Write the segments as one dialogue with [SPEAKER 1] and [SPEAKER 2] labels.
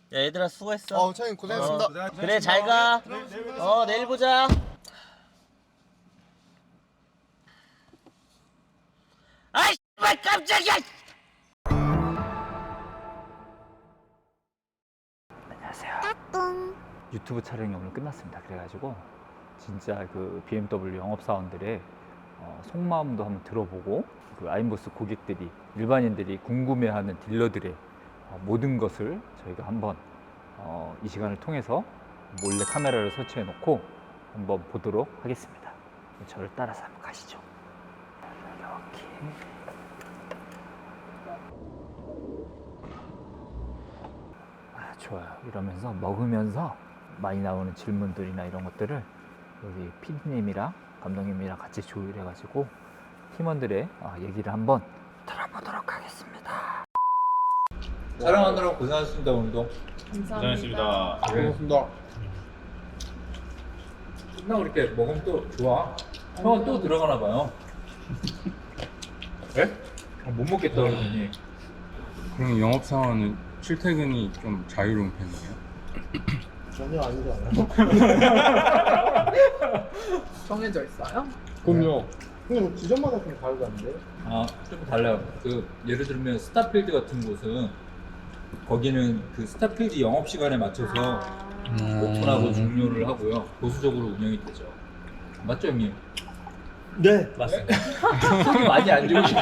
[SPEAKER 1] 야, 얘들아 수고했어.
[SPEAKER 2] 차장님 고생했습니다.
[SPEAKER 1] 그래 잘 가. 내일 보자. 아이 씨발 깜짝이야.
[SPEAKER 3] 안녕하세요. 유튜브 촬영이 오늘 끝났습니다. 그래가지고 진짜 그 BMW 영업사원들의 속마음도 한번 들어보고 그 아임보스 고객들이 일반인들이 궁금해하는 딜러들의 모든 것을 저희가 한번 이 시간을 통해서 몰래 카메라를 설치해 놓고 한번 보도록 하겠습니다. 저를 따라서 한번 가시죠. 이렇게 좋아요. 이러면서 먹으면서 많이 나오는 질문들이나 이런 것들을 여기 PD님이랑 감독님이랑 같이 조율해가지고 팀원들의 얘기를 한번 들어보도록 하겠습니다. 촬영하느라 고생하셨습니다. 오늘도
[SPEAKER 4] 감사합니다.
[SPEAKER 2] 고맙습니다.
[SPEAKER 3] 끝나고 이렇게 먹으면 또 좋아. 형은 또 들어가나 봐요. 네? 못 먹겠다 그러더니.
[SPEAKER 4] 그럼 영업사원은 출퇴근이 좀 자유로운 편이에요?
[SPEAKER 2] 전혀 아니지 않아요?
[SPEAKER 5] 정해져 있어요?
[SPEAKER 2] 그럼요. 근데 지점마다 좀 다르다는데?
[SPEAKER 3] 좀 달라요. 그 예를 들면 스타필드 같은 곳은 거기는 그 스타필드 영업 시간에 맞춰서 오픈하고 종료를 하고요. 보수적으로 운영이 되죠. 맞죠, 형님?
[SPEAKER 1] 네 맞습니다.
[SPEAKER 3] 손이 많이 안 좋으시죠?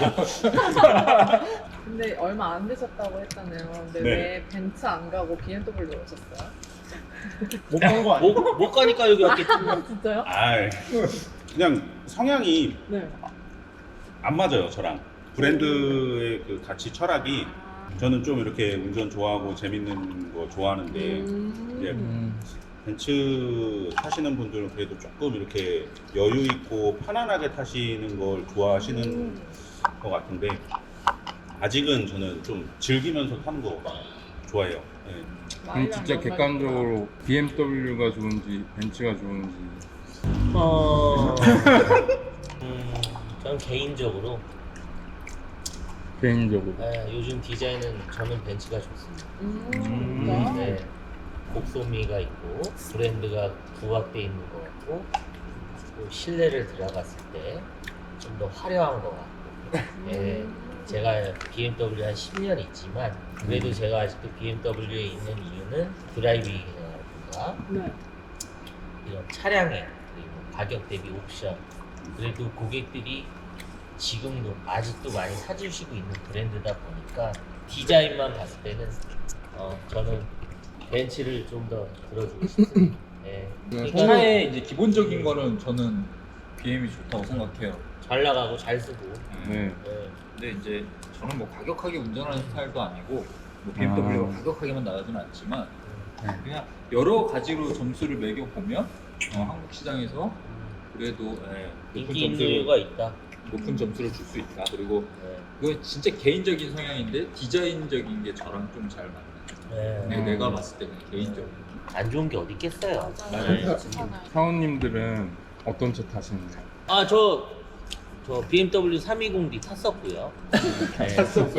[SPEAKER 5] 근데 얼마 안 되셨다고 했잖아요. 근데
[SPEAKER 4] 네.
[SPEAKER 5] 왜 벤츠 안 가고 BMW 오셨어요?
[SPEAKER 2] 못 간 거 아니에요?
[SPEAKER 1] 못 가니까 여기 왔겠지.
[SPEAKER 5] 진짜요?
[SPEAKER 6] 아, 그냥 성향이
[SPEAKER 5] 네.
[SPEAKER 6] 안 맞아요, 저랑. 브랜드의 그 가치 철학이 저는 좀 이렇게 운전 좋아하고 재밌는 거 좋아하는데 이제 벤츠 타시는 분들은 그래도 조금 이렇게 여유 있고 편안하게 타시는 걸 좋아하시는 것 같은데 아직은 저는 좀 즐기면서 타는 거 좋아해요. 네.
[SPEAKER 4] 그럼 진짜 객관적으로 BMW가 좋은지 벤츠가 좋은지.
[SPEAKER 1] 저는 개인적으로 요즘 디자인은 저는 벤츠가 좋습니다.
[SPEAKER 5] 진짜요?
[SPEAKER 1] 네, 곡소미가 있고 브랜드가 부각돼 있는 것 같고 또 실내를 들어갔을 때 좀 더 화려한 것 같고. 네, 제가 BMW 한 10년 있지만 그래도 제가 아직도 BMW에 있는 이유는 드라이빙이라든가
[SPEAKER 5] 네.
[SPEAKER 1] 이런 차량에 그리고 가격 대비 옵션 그래도 고객들이 지금도 아직도 많이 사주시고 있는 브랜드다 보니까 디자인만 봤을 때는 저는 벤츠를 좀 더 들어주고 싶습니다. 네.
[SPEAKER 3] 차의 이제 기본적인 거는 저는 BM이 좋다고 생각해요.
[SPEAKER 1] 잘 나가고 잘 쓰고.
[SPEAKER 4] 네.
[SPEAKER 1] 네.
[SPEAKER 3] 근데 이제 저는 뭐 과격하게 운전하는 스타일도 아니고 뭐 BMW가 과격하게만 나가지는 않지만 그냥 여러 가지로 점수를 매겨 보면 한국 시장에서 그래도
[SPEAKER 1] 인기 있는 이유가 있다.
[SPEAKER 3] 높은 점수를 줄 수 있다. 그리고
[SPEAKER 1] 네.
[SPEAKER 3] 그거 진짜 개인적인 성향인데 디자인적인 게 저랑 좀 잘 맞는.
[SPEAKER 1] 네.
[SPEAKER 3] 내가 봤을 때는 개인적으로.
[SPEAKER 1] 안 좋은 게 어디 있겠어요.
[SPEAKER 5] 맞아요.
[SPEAKER 1] 네.
[SPEAKER 5] 괜찮아요.
[SPEAKER 4] 사원님들은 어떤 차 타시는가요?
[SPEAKER 1] 저 BMW 320D 탔었고요. 네.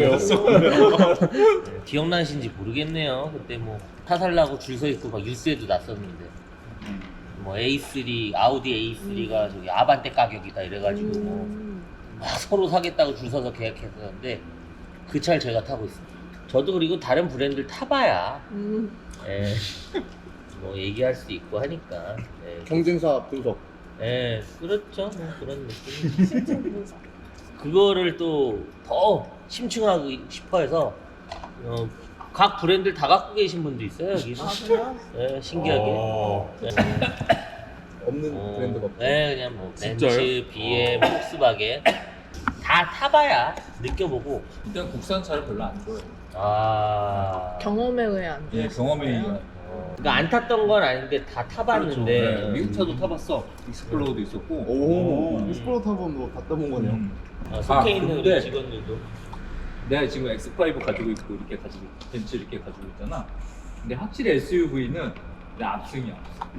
[SPEAKER 1] 기억나신지 모르겠네요. 그때 뭐 타살라고 줄 서 있고 막 뉴스에도 났었는데 뭐 A3 아우디 A3가 저기 아반떼 가격이다 이래가지고 막 서로 사겠다고 줄 서서 계약했었는데 그 차를 제가 타고 있습니다. 저도 그리고 다른 브랜드를 타봐야 예, 뭐 얘기할 수 있고 하니까 예,
[SPEAKER 2] 경쟁사 분석.
[SPEAKER 1] 예, 그렇죠. 뭐 그런 느낌.
[SPEAKER 5] 심층 분석.
[SPEAKER 1] 그거를 또 더 심층하고 싶어 해서 각 브랜드를 다 갖고 계신 분도 있어요 여기는.
[SPEAKER 5] 아, 그래요?
[SPEAKER 1] 예, 신기하게. 네.
[SPEAKER 2] 없는 브랜드가 없죠.
[SPEAKER 1] 네, 그냥 뭐 벤츠,
[SPEAKER 3] 진짜요?
[SPEAKER 1] BM, 폭스바겐 다 타봐야 느껴보고.
[SPEAKER 3] 일단 국산 차를 별로 안 좋아해요.
[SPEAKER 5] 경험에 의해 안
[SPEAKER 3] 예,
[SPEAKER 5] 좋으시는
[SPEAKER 3] 경험에
[SPEAKER 5] 거예요?
[SPEAKER 3] 의한.
[SPEAKER 1] 그러니까 안 탔던 건 아닌데 다 타봤는데.
[SPEAKER 3] 그렇죠. 네, 미국 차도 타봤어. 익스플로어도 있었고.
[SPEAKER 2] 오, 익스플로러 타고 뭐 갔다 본 거네요.
[SPEAKER 1] 속해 있는
[SPEAKER 3] 근데
[SPEAKER 1] 우리 직원들도.
[SPEAKER 3] 내가 지금 X5 가지고 있고 이렇게 가지고 벤츠 이렇게 가지고 있잖아. 근데 확실히 SUV는 내 압승이야.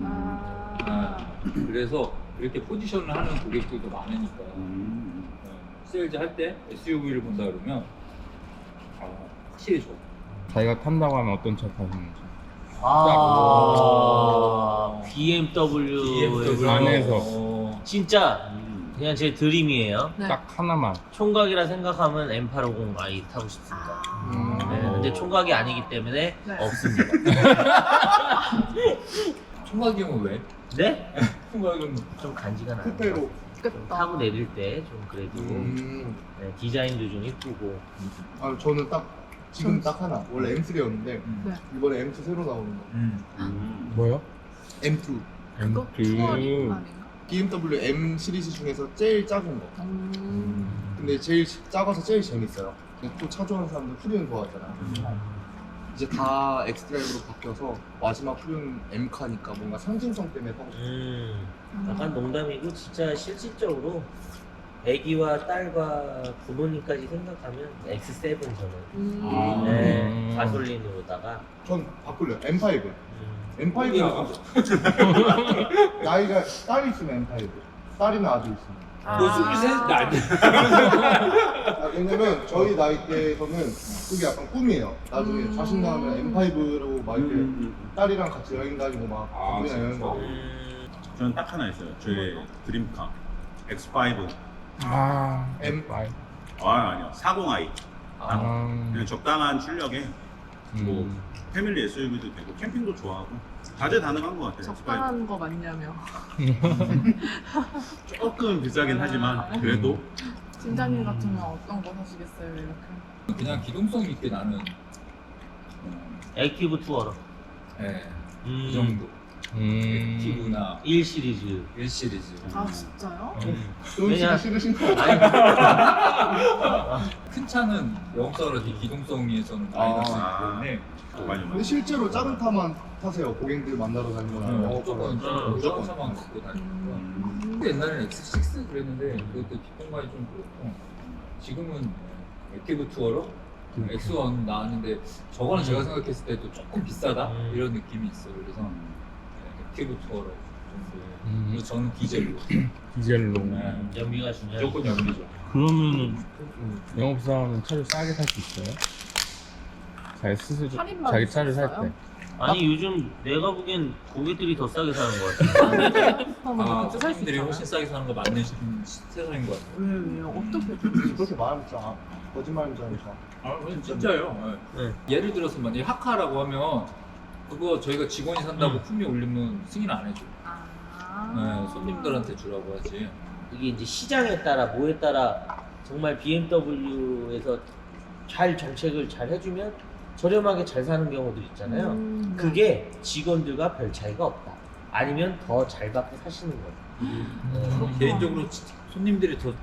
[SPEAKER 3] 그래서 이렇게 포지션을 하는 고객들도 많으니까 세일즈 할 때 SUV를 본다 그러면 확실히 좋아.
[SPEAKER 4] 자기가 탄다고 하면 어떤 차 타시는지?
[SPEAKER 1] BMW
[SPEAKER 4] 안에서.
[SPEAKER 1] 진짜 그냥 제 드림이에요.
[SPEAKER 5] 네.
[SPEAKER 4] 딱 하나만.
[SPEAKER 1] 총각이라 생각하면 M850i 타고 싶습니다. 네, 근데 총각이 아니기 때문에
[SPEAKER 5] 네.
[SPEAKER 1] 없습니다.
[SPEAKER 3] 총각이면 왜?
[SPEAKER 1] 네?
[SPEAKER 3] 총각이면
[SPEAKER 1] 좀 간지가 나요.
[SPEAKER 2] 쿠페로.
[SPEAKER 1] 좀
[SPEAKER 5] 좋겠다.
[SPEAKER 1] 타고 내릴 때 좀 그래도 네, 디자인도 좀 이쁘고.
[SPEAKER 2] 아 저는 딱 지금 딱 하나. 원래 M3였는데
[SPEAKER 5] 네.
[SPEAKER 2] 이번에 M2 새로 나오는 거.
[SPEAKER 4] 뭐요?
[SPEAKER 2] M2.
[SPEAKER 5] 그거
[SPEAKER 4] 그-
[SPEAKER 5] 투어링 아닌가?
[SPEAKER 2] BMW M 시리즈 중에서 제일 작은 거. 근데 제일 작아서 제일 재밌어요. 또 차 좋아하는 사람들 후륜 좋아하잖아. 이제 다 엑스드라이브로 바뀌어서 마지막 후륜 M카니까 뭔가 상징성 때문에 타고 싶어.
[SPEAKER 1] 약간 농담이고 진짜 실질적으로 애기와 딸과 부모님까지 생각하면 X7 저는 네, 가솔린으로다가
[SPEAKER 2] 전 바꿀래요. M5.
[SPEAKER 1] 음,
[SPEAKER 2] M5가 나이가 딸이 있으면 M5. 딸이나 아들 있으면.
[SPEAKER 5] 아.
[SPEAKER 3] 너 23?
[SPEAKER 2] 아, 왜냐면 저희 나이대에서는 그게 약간 꿈이에요. 나중에 자식 낳으면 M5로 막 이렇게 딸이랑 같이 여행 다니고 막
[SPEAKER 6] 아,
[SPEAKER 2] 가족이랑 여행
[SPEAKER 6] 진짜?
[SPEAKER 2] 가고.
[SPEAKER 6] 저는 딱 하나 있어요. 저의 드림카 X5.
[SPEAKER 2] M.
[SPEAKER 6] 아니요. 40i.
[SPEAKER 4] 아.
[SPEAKER 6] 그냥 적당한 출력에 뭐 패밀리 SUV도 되고 캠핑도 좋아하고 다재다능한 것 같아요.
[SPEAKER 5] 적당한 거 맞냐며.
[SPEAKER 6] 조금 비싸긴 하지만 그래도
[SPEAKER 5] 팀장님 같으면 어떤 거 사시겠어요 이렇게?
[SPEAKER 3] 그냥 기동성 있게 나는
[SPEAKER 1] 액티브 투어러.
[SPEAKER 3] 네,
[SPEAKER 1] 음,
[SPEAKER 3] 그 정도. 액티브나
[SPEAKER 1] 1 시리즈.
[SPEAKER 3] 1 시리즈.
[SPEAKER 5] 아 진짜요?
[SPEAKER 2] 돈
[SPEAKER 1] 왜냐-
[SPEAKER 2] 쓰기 싫으신 거
[SPEAKER 3] 큰 차는 영업사로 기동성에서는 마이너스이기 때문에
[SPEAKER 6] 많이
[SPEAKER 2] 근데 실제로 작은 차만 타세요. 고객들 만나러 다니거나
[SPEAKER 3] 무조건
[SPEAKER 2] 영업하거나.
[SPEAKER 3] 무조건 차만 갖고 다니니까. 근데 옛날에는 X6 그랬는데 그것도 뒷공간이 좀 그렇고 지금은 액티브 투어로 X1 나왔는데 저거는 제가 생각했을 때도 조금 비싸다 이런 느낌이 있어요. 그래서 액티브 투어로 정도. 그리고 저는 디젤로.
[SPEAKER 4] 디젤로.
[SPEAKER 1] 연비가 중요해.
[SPEAKER 3] 무조건 연비죠.
[SPEAKER 4] 그러면은 영업사원은 차를 싸게 살 수 있어요? 자기 스스로
[SPEAKER 5] 할인만
[SPEAKER 4] 자기 차를 살
[SPEAKER 5] 있어요?
[SPEAKER 4] 때.
[SPEAKER 1] 아니 요즘 내가 보기엔 고객들이 더 싸게 사는 것 같아.
[SPEAKER 3] 아,
[SPEAKER 5] 살수
[SPEAKER 3] 사람들이
[SPEAKER 5] 있잖아요.
[SPEAKER 3] 훨씬 싸게 사는 거 맞는 세상인 것 같아요.
[SPEAKER 5] 왜요? 어떻게?
[SPEAKER 2] 그렇게 말하면 진짜 거짓말인 줄 알죠.
[SPEAKER 3] 아, 진짜요.
[SPEAKER 1] 네.
[SPEAKER 3] 예를 들어서 만약에 하카라고 하면 그거 저희가 직원이 산다고 품위 올리면 승인 안 해줘. 네, 손님들한테 주라고 하지.
[SPEAKER 1] 이게 이제 시장에 따라 뭐에 따라 정말 BMW에서 잘 정책을 잘 해주면 저렴하게 잘 사는 경우들 있잖아요. 그게 직원들과 별 차이가 없다. 아니면 더 잘 받고 사시는 거예요.
[SPEAKER 3] 개인적으로 손님들이 더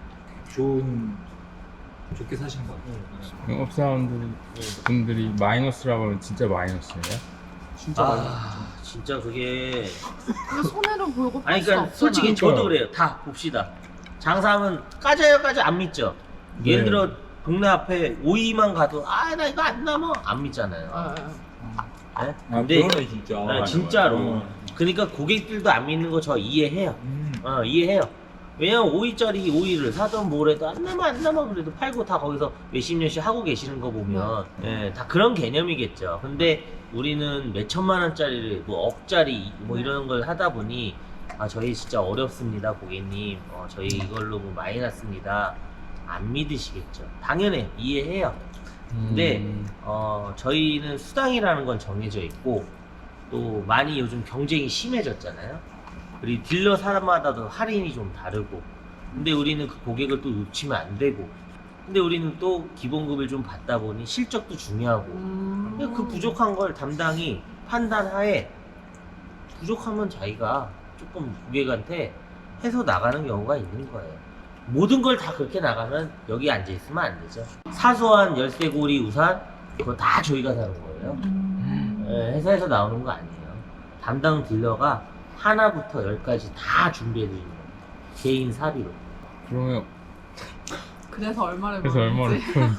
[SPEAKER 3] 좋게 사시는 것 같아요.
[SPEAKER 4] 영업사원들이 마이너스라고 하면 진짜 마이너스예요?
[SPEAKER 2] 진짜 많이.
[SPEAKER 1] 진짜 그게
[SPEAKER 5] 근데 손해를 보고
[SPEAKER 1] 아니
[SPEAKER 5] 팔수
[SPEAKER 1] 그러니까
[SPEAKER 5] 없잖아요.
[SPEAKER 1] 솔직히 저도 그래요. 다 봅시다. 장사하면 까져요 안 믿죠. 예를
[SPEAKER 4] 네.
[SPEAKER 1] 들어 동네 앞에 오이만 가도 아 나 이거 안 남아 안 믿잖아요.
[SPEAKER 5] 아,
[SPEAKER 1] 네?
[SPEAKER 3] 아,
[SPEAKER 1] 근데
[SPEAKER 3] 그러네 진짜.
[SPEAKER 1] 네, 진짜로. 그러니까 고객들도 안 믿는 거 저 이해해요. 이해해요. 왜냐면 5위짜리 오이를 사던 뭐래도 안 남아 그래도 팔고 다 거기서 몇십 년씩 하고 계시는 거 보면 예, 다 그런 개념이겠죠. 근데 우리는 몇 천만 원짜리를 뭐 억짜리 뭐 이런 걸 하다 보니 아 저희 진짜 어렵습니다 고객님. 저희 이걸로 뭐 많이 났습니다. 안 믿으시겠죠. 당연히 이해해요. 근데 저희는 수당이라는 건 정해져 있고 또 많이 요즘 경쟁이 심해졌잖아요. 그리고 딜러 사람마다도 할인이 좀 다르고 근데 우리는 그 고객을 또 놓치면 안 되고 근데 우리는 또 기본급을 좀 받다 보니 실적도 중요하고 근데 그 부족한 걸 담당이 판단하에 부족하면 자기가 조금 고객한테 해서 나가는 경우가 있는 거예요. 모든 걸 다 그렇게 나가면 여기 앉아 있으면 안 되죠. 사소한 열쇠고리 우산 그거 다 저희가 사는 거예요. 회사에서 나오는 거 아니에요. 담당 딜러가 하나부터 10까지 다 준비해 드리는 거예요. 개인 사비로.
[SPEAKER 4] 그러면
[SPEAKER 5] 그래서 얼마를
[SPEAKER 4] 그래서 얼마를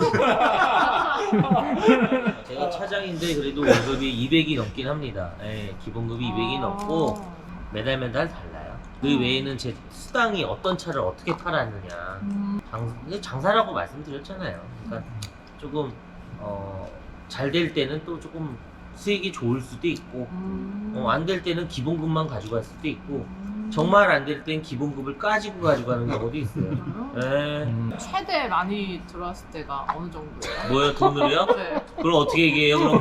[SPEAKER 1] 제가 차장인데 그래도 월급이 200이 넘긴 합니다. 기본급이 200이 넘고 매달 달라요. 그 외에는 제 수당이 어떤 차를 어떻게 팔았느냐 장사라고 말씀드렸잖아요. 그러니까 조금 잘 될 때는 또 조금 수익이 좋을 수도 있고 안 될 때는 기본급만 가져갈 수도 있고 정말 안 될 땐 기본급을 까지고 가져가는 경우도 있어요. 네.
[SPEAKER 5] 최대 많이 들어왔을 때가 어느 정도예요?
[SPEAKER 1] 뭐요, 돈으로요?
[SPEAKER 5] 네.
[SPEAKER 1] 그걸 어떻게 얘기해요 그럼?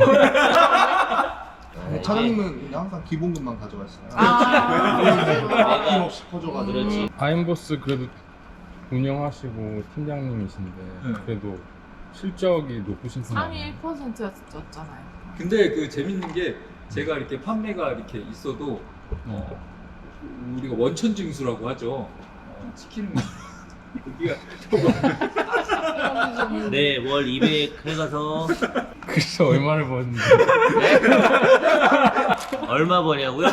[SPEAKER 1] 네,
[SPEAKER 2] 차장님은 그냥 항상 기본급만 가져가시나요?
[SPEAKER 5] 아,
[SPEAKER 2] 아낌없이 퍼줘가지고.
[SPEAKER 1] 그렇지.
[SPEAKER 4] 아임보스 그래도 운영하시고 팀장님이신데
[SPEAKER 3] 네.
[SPEAKER 4] 그래도 실적이 높으신 편
[SPEAKER 5] 상위 1%였잖아요.
[SPEAKER 3] 근데 그 재밌는 게 제가 이렇게 판매가 이렇게 있어도 우리가 원천 징수라고 하죠. 치킨 여기가
[SPEAKER 1] 네, 월 200 해가서
[SPEAKER 4] 그래서 얼마를 버는데
[SPEAKER 1] 얼마 버냐고요?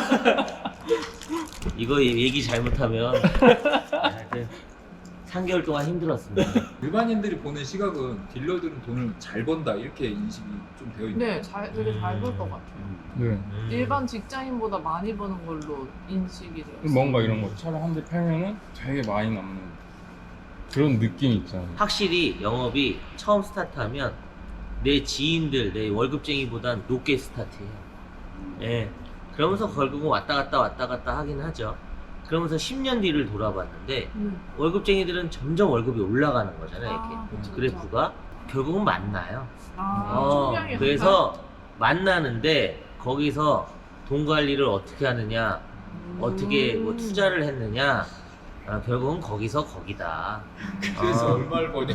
[SPEAKER 1] 이거 얘기 잘못하면 하여튼 3개월 동안 힘들었습니다.
[SPEAKER 3] 일반인들이 보는 시각은 딜러들은 돈을 잘 번다 이렇게 인식이 좀 되어 있는.
[SPEAKER 5] 네, 되게 잘 볼 것 같아요.
[SPEAKER 4] 네.
[SPEAKER 5] 일반 직장인보다 많이 버는 걸로 인식이 되었어요.
[SPEAKER 4] 뭔가 이런 거 차를 한 대 팔면은 되게 많이 남는 그런 느낌이 있잖아요.
[SPEAKER 1] 확실히 영업이 처음 스타트하면 내 지인들, 내 월급쟁이보단 높게 스타트해요. 예. 그러면서 결국은 왔다 갔다 하긴 하죠. 그러면서 10년 뒤를 돌아봤는데 월급쟁이들은 점점 월급이 올라가는 거잖아요. 이렇게
[SPEAKER 5] 그쵸,
[SPEAKER 1] 그래프가 결국은 만나요.
[SPEAKER 5] 총량이
[SPEAKER 1] 그래서 만나는데 거기서 돈 관리를 어떻게 하느냐, 어떻게 뭐 투자를 했느냐, 결국은 거기서 거기다.
[SPEAKER 3] 그래서 얼마를 버냐?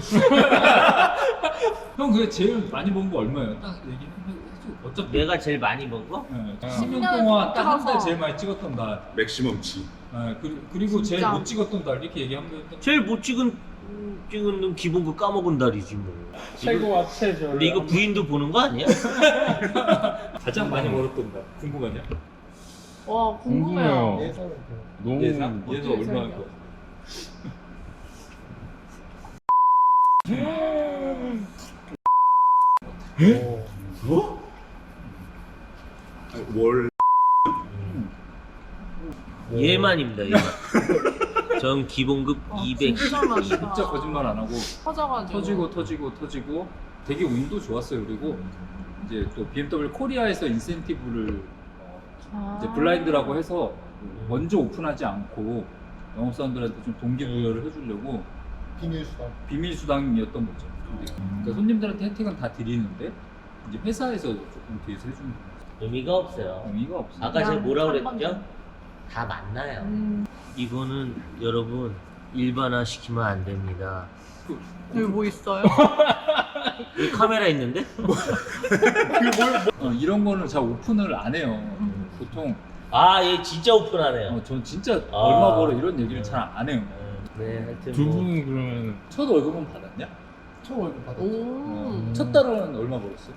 [SPEAKER 3] 형 그게 제일 많이 번 거 얼마예요? 딱 얘기해 줘. 어차피
[SPEAKER 1] 내가 제일 많이 번 거?
[SPEAKER 3] 네,
[SPEAKER 5] 10년
[SPEAKER 3] 10년 동안 딱 한 달
[SPEAKER 5] 붙어서.
[SPEAKER 3] 제일 많이 찍었던 날.
[SPEAKER 6] 맥시멈치.
[SPEAKER 3] 그리고 제일
[SPEAKER 5] 진짜.
[SPEAKER 3] 못 찍었던 날 이렇게 얘기하면
[SPEAKER 1] 제일 못 찍은 놈 기본급 까먹은 달이지 뭐.
[SPEAKER 4] 최고와 최저.
[SPEAKER 1] 근데 이거 부인도 보는 거 아니야?
[SPEAKER 3] 가장 많이 벌었던 날 궁금하냐?
[SPEAKER 5] 와, 궁금해요.
[SPEAKER 4] 궁금해요. 너무
[SPEAKER 3] 예상? 얘도
[SPEAKER 5] 어떻게
[SPEAKER 3] 얼마일
[SPEAKER 5] 생각해요?
[SPEAKER 3] 거?
[SPEAKER 6] 월
[SPEAKER 1] 얘만입니다. 얘만. 전 기본급 200.
[SPEAKER 5] 진짜 많다.
[SPEAKER 3] 진짜 거짓말 안 하고
[SPEAKER 5] 터져가지고.
[SPEAKER 3] 터지고 되게 운도 좋았어요. 그리고 이제 또 BMW 코리아에서 인센티브를 이제 블라인드라고 해서 먼저 오픈하지 않고 영업사원들한테 좀 동기부여를 해주려고 비밀 수당이었던 거죠. 그러니까 손님들한테 혜택은 다 드리는데 이제 회사에서 조금 뒤에서 해주는
[SPEAKER 1] 의미가 없어요.
[SPEAKER 3] 의미가 없어요.
[SPEAKER 1] 아까 제가 뭐라고
[SPEAKER 5] 한
[SPEAKER 1] 그랬죠? 다 만나요.
[SPEAKER 5] 음.
[SPEAKER 1] 이거는 여러분 일반화 시키면 안 됩니다.
[SPEAKER 5] 여기 뭐 있어요?
[SPEAKER 1] 여기 카메라 있는데?
[SPEAKER 3] 이런 거는 잘 오픈을 안 해요. 보통
[SPEAKER 1] 아, 얘 진짜 오픈하네요.
[SPEAKER 3] 전 진짜
[SPEAKER 1] 아.
[SPEAKER 3] 얼마 벌어 이런 얘기를 잘 안 해요.
[SPEAKER 1] 네, 하여튼
[SPEAKER 4] 두
[SPEAKER 1] 뭐
[SPEAKER 4] 분은 그러면
[SPEAKER 3] 첫 월급은 받았냐?
[SPEAKER 2] 첫 월급 받았죠.
[SPEAKER 5] 오.
[SPEAKER 3] 첫 달은 얼마 벌었어?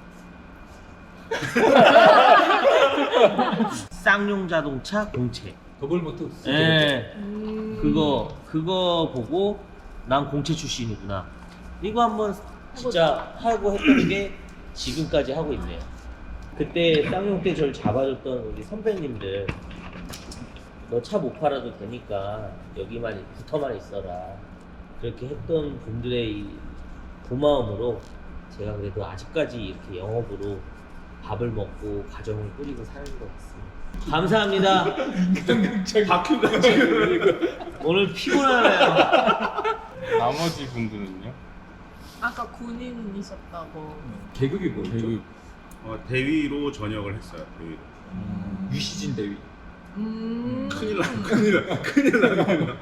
[SPEAKER 1] 쌍용 자동차 공채.
[SPEAKER 3] 더블 모터
[SPEAKER 1] 예. 그거 보고 난 공채 출신이구나. 이거 한번 진짜 하고 했던 게 지금까지 하고 있네요. 그때 쌍용 때 저를 잡아줬던 우리 선배님들, 너 차 못 팔아도 되니까 여기만 붙어만 있어라. 그렇게 했던 분들의 이 고마움으로 제가 그래도 아직까지 이렇게 영업으로 밥을 먹고 가정을 꾸리고 사는 것 같습니다. 감사합니다.
[SPEAKER 6] 다큐가 지금
[SPEAKER 1] 오늘 피곤하네요.
[SPEAKER 4] 나머지 분들은요?
[SPEAKER 5] 아까 군인이셨다고.
[SPEAKER 3] 계급이 뭐였죠?
[SPEAKER 4] 대급
[SPEAKER 6] 대위로 전역을 했어요. 대위로.
[SPEAKER 3] 유시진 대위.
[SPEAKER 6] 큰일 나.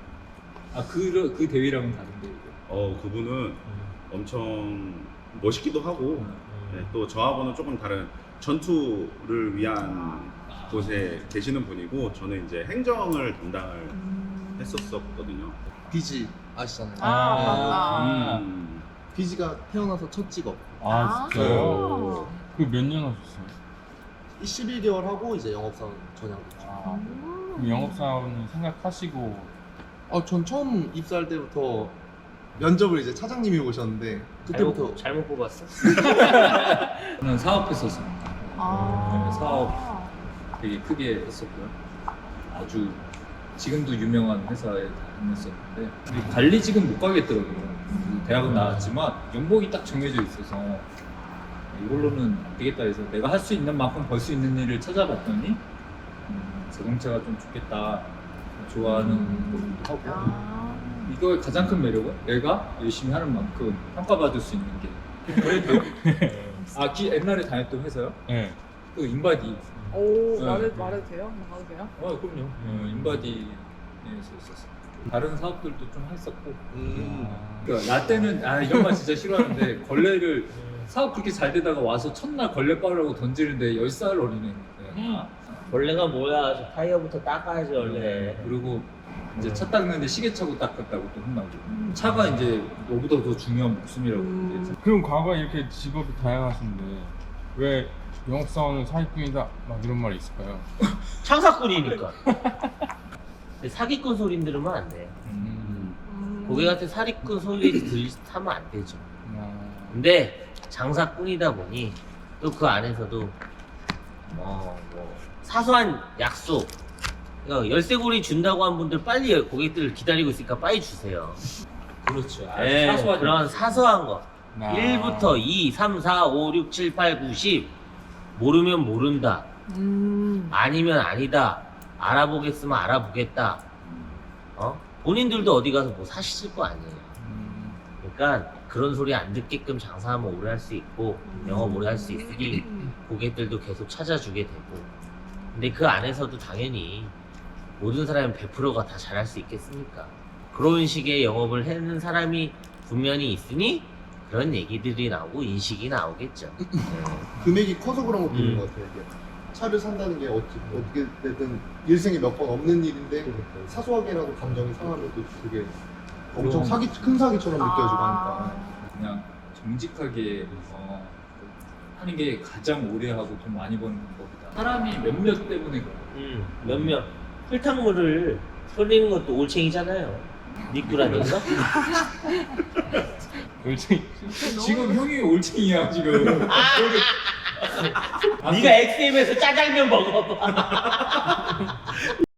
[SPEAKER 3] 그 대위랑은 다른데 이거.
[SPEAKER 6] 그분은 엄청 멋있기도 하고 네, 또 저하고는 조금 다른 전투를 위한 곳에 계시는 분이고 저는 이제 행정을 담당을 했었거든요.
[SPEAKER 2] 비지 아시잖아요.
[SPEAKER 5] 맞다.
[SPEAKER 2] 비지가 태어나서 첫 직업.
[SPEAKER 4] 아 진짜요? 그 몇 년 하셨어요?
[SPEAKER 2] 11개월 하고 이제 영업사원 전향했죠.
[SPEAKER 4] 그럼 영업사원을 생각하시고
[SPEAKER 2] 전 처음 입사할 때부터 면접을 이제 차장님이 오셨는데 그때부터
[SPEAKER 1] 잘못 뽑았어?
[SPEAKER 3] 저는 사업했었어요.
[SPEAKER 5] 아.
[SPEAKER 3] 사업. 되게 크게 했었고요. 아주 지금도 유명한 회사에 다녔었는데 근데 관리직은 못 가겠더라고요. 대학은 나왔지만 연봉이 딱 정해져 있어서 이걸로는 안 되겠다 해서 내가 할 수 있는 만큼 벌 수 있는 일을 찾아봤더니 자동차가 좀 좋겠다. 좋아하는 것도 하고
[SPEAKER 5] 아.
[SPEAKER 3] 이거의 가장 큰 매력은 내가 열심히 하는 만큼 평가받을 수 있는 게 그래도 옛날에 다녔던 회사요?
[SPEAKER 4] 네.
[SPEAKER 3] 그 인바디
[SPEAKER 5] 오,
[SPEAKER 3] 네.
[SPEAKER 5] 말해도 돼요? 나가도 돼요?
[SPEAKER 3] 그럼요. 인바디에서 있었어요. 다른 사업들도 좀 했었고 그러니까 나 때는 이런 말 진짜 싫어하는데 걸레를 사업 그렇게 잘 되다가 와서 첫날 걸레 빠르라고 던지는데 10살 어린애
[SPEAKER 1] 원래가 뭐야? 저 타이어부터 닦아야지 원래.
[SPEAKER 3] 그리고 이제 차 닦는데 시계차고 닦았다고 또 혼나고 차가 이제 너보다 더 중요한 목숨이라고 그랬지.
[SPEAKER 4] 그럼 과거에 이렇게 직업이 다양하신데 왜 영업사원은 사기꾼이다 막 이런 말이 있을까요?
[SPEAKER 1] 창사꾼이니까. 근데 사기꾼 소리 들으면 안 돼. 고객한테 사기꾼 소리 하면 안 되죠. 근데 장사꾼이다 보니 또 그 안에서도 뭐 사소한 약속, 열쇠고리 준다고 한 분들 빨리 고객들 기다리고 있으니까 빨리 주세요.
[SPEAKER 3] 그렇죠.
[SPEAKER 1] 사소한 그런 사소한 거 1부터 2, 3, 4, 5, 6, 7, 8, 9, 10 모르면 모른다 아니면 아니다 알아보겠으면 알아보겠다 본인들도 어디 가서 뭐 사실 거 아니에요. 그러니까 그런 소리 안 듣게끔 장사하면 오래 할 수 있고 영업 오래 할 수 있으니 고객들도 계속 찾아주게 되고 근데 그 안에서도 당연히 모든 사람이 100%가 다 잘할 수 있겠습니까? 그런 식의 영업을 하는 사람이 분명히 있으니 그런 얘기들이 나오고 인식이 나오겠죠.
[SPEAKER 2] 금액이 커서 그런 것도 있는 것 같아요. 이게 차를 산다는 게 어떻게 됐든 일생에 몇 번 없는 일인데 사소하게라도 감정이 상하면 또 그게 엄청 큰 사기처럼 느껴지고 하니까
[SPEAKER 3] 그냥 정직하게 하는 게 가장 오래 하고 돈 많이 버는 법이다. 사람이 몇몇 때문에
[SPEAKER 1] 몇몇 흙탕물을 흘리는 것도 올챙이잖아요. 미꾸라지인가?
[SPEAKER 3] 지금 형이 올챙이야 지금.
[SPEAKER 1] 네가 XM에서 짜장면 먹어봐.